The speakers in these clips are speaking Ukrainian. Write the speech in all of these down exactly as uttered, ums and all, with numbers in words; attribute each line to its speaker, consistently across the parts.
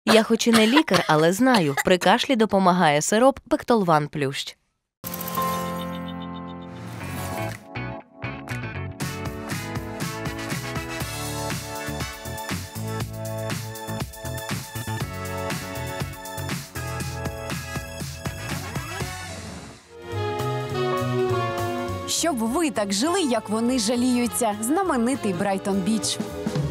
Speaker 1: Я хоч і не лікар, але знаю, при кашлі допомагає сироп Пектолван Плющ.
Speaker 2: Щоб ви так жили, як вони жаліються. Знаменитий Брайтон-Біч.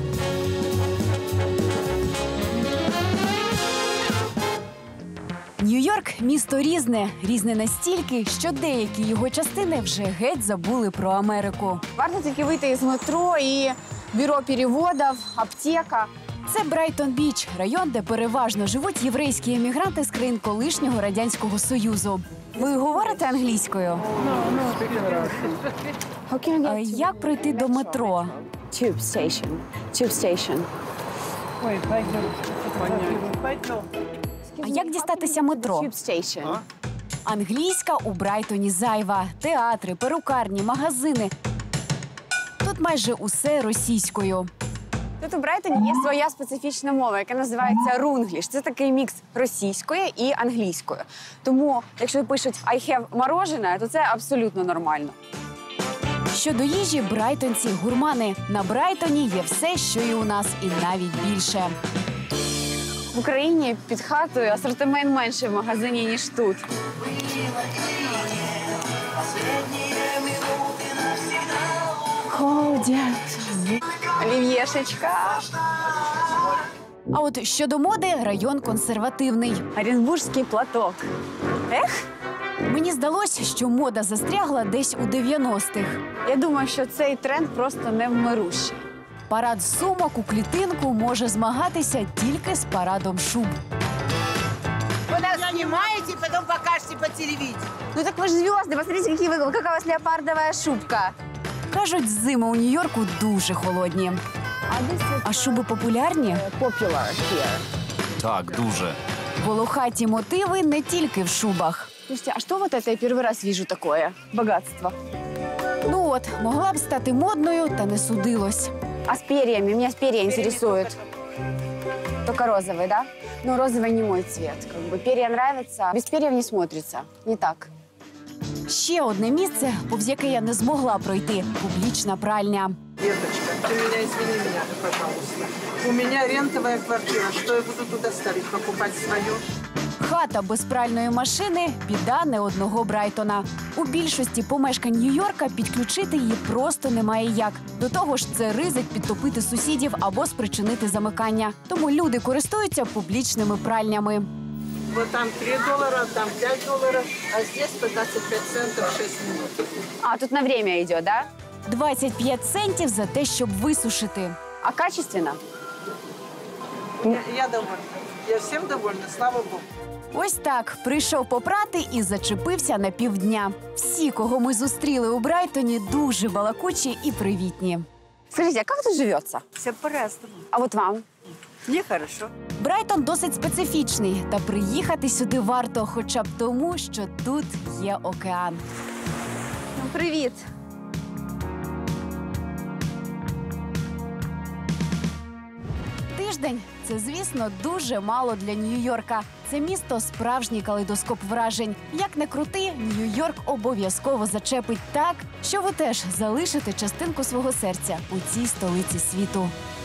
Speaker 2: Нью-Йорк – місто різне. Різне настільки, що деякі його частини вже геть забули про Америку.
Speaker 3: Варто тільки вийти із метро і бюро переводів, аптека.
Speaker 2: Це Брайтон-Біч – район, де переважно живуть єврейські емігранти з країн колишнього Радянського Союзу. Ви говорите англійською? А як пройти до метро?
Speaker 3: Tube station. Tube station.
Speaker 2: А як дістатися метро?
Speaker 3: Tube station.
Speaker 2: Англійська у Брайтоні зайва. Театри, перукарні, магазини. Тут майже усе російською.
Speaker 3: Тут у Брайтоні є своя специфічна мова, яка називається рунгліш. Це такий мікс російської і англійської. Тому, якщо пишуть «I have морожене», то це абсолютно нормально.
Speaker 2: Щодо їжі, брайтонці – гурмани. На Брайтоні є все, що і у нас, і навіть більше.
Speaker 3: В Україні під хатою асортимент менший в магазині, ніж тут. Ходять. Олів'єшечка.
Speaker 2: А от щодо моди – район консервативний.
Speaker 3: Оренбурзький платок. Ех?
Speaker 2: Мені здалося, що мода застрягла десь у дев'яностих.
Speaker 3: Я думаю, що цей тренд просто невмирущий.
Speaker 2: Парад сумок у клітинку може змагатися тільки з парадом шуб.
Speaker 4: Вы нас снимаете, потом покажете по телевидению.
Speaker 3: Ну так вы же звезды, посмотрите, какие вы, какая у вас леопардовая шубка.
Speaker 2: Кажуть, зими у Нью-Йорку дуже холодні. А шуби популярні?
Speaker 3: Popular here.
Speaker 5: Так, дуже.
Speaker 2: Волохаті мотиви не тільки в шубах.
Speaker 3: Слушайте, а что вот это я первый раз вижу такое? Богатство.
Speaker 2: Ну от, могла б стати модною, та не судилось.
Speaker 3: А с перьями? Меня с перья интересует. Только розовый, да? Но розовый не мой цвет. Как бы перья нравятся, без перьев не смотрится. Не так.
Speaker 2: Ще одне місце, повз яке я не змогла пройти – публічна пральня.
Speaker 4: Деточка, ты меня извини меня, пожалуйста. У меня рентовая квартира. Что я буду туда ставить? Покупать свое?
Speaker 2: Хата без пральної машини – біда не одного Брайтона. У більшості помешкань Нью-Йорка підключити її просто немає як. До того ж, це ризик підтопити сусідів або спричинити замикання. Тому люди користуються публічними пральнями.
Speaker 4: Вот там три доллара, там пять долларов, а здесь по двадцать пять центов шесть минут.
Speaker 3: А, тут на время идет, да?
Speaker 2: двадцять п'ять центів за те, щоб висушити.
Speaker 3: А качественно?
Speaker 4: Я, я довольна. Я всем довольна, слава Богу.
Speaker 2: Ось так, прийшов попрати і зачепився на півдня. Всі, кого ми зустріли у Брайтоні, дуже балакучі і привітні.
Speaker 3: Скажите, а как тут живется?
Speaker 4: Все по-разному.
Speaker 3: А вот вам?
Speaker 4: Мне хорошо.
Speaker 2: Брайтон досить специфічний, та приїхати сюди варто хоча б тому, що тут є океан.
Speaker 3: Ну, привет.
Speaker 2: Тиждень – це, звісно, дуже мало для Нью-Йорка. Це місто – справжній калейдоскоп вражень. Як не крути, Нью-Йорк обов'язково зачепить так, що ви теж залишите частинку свого серця у цій столиці світу.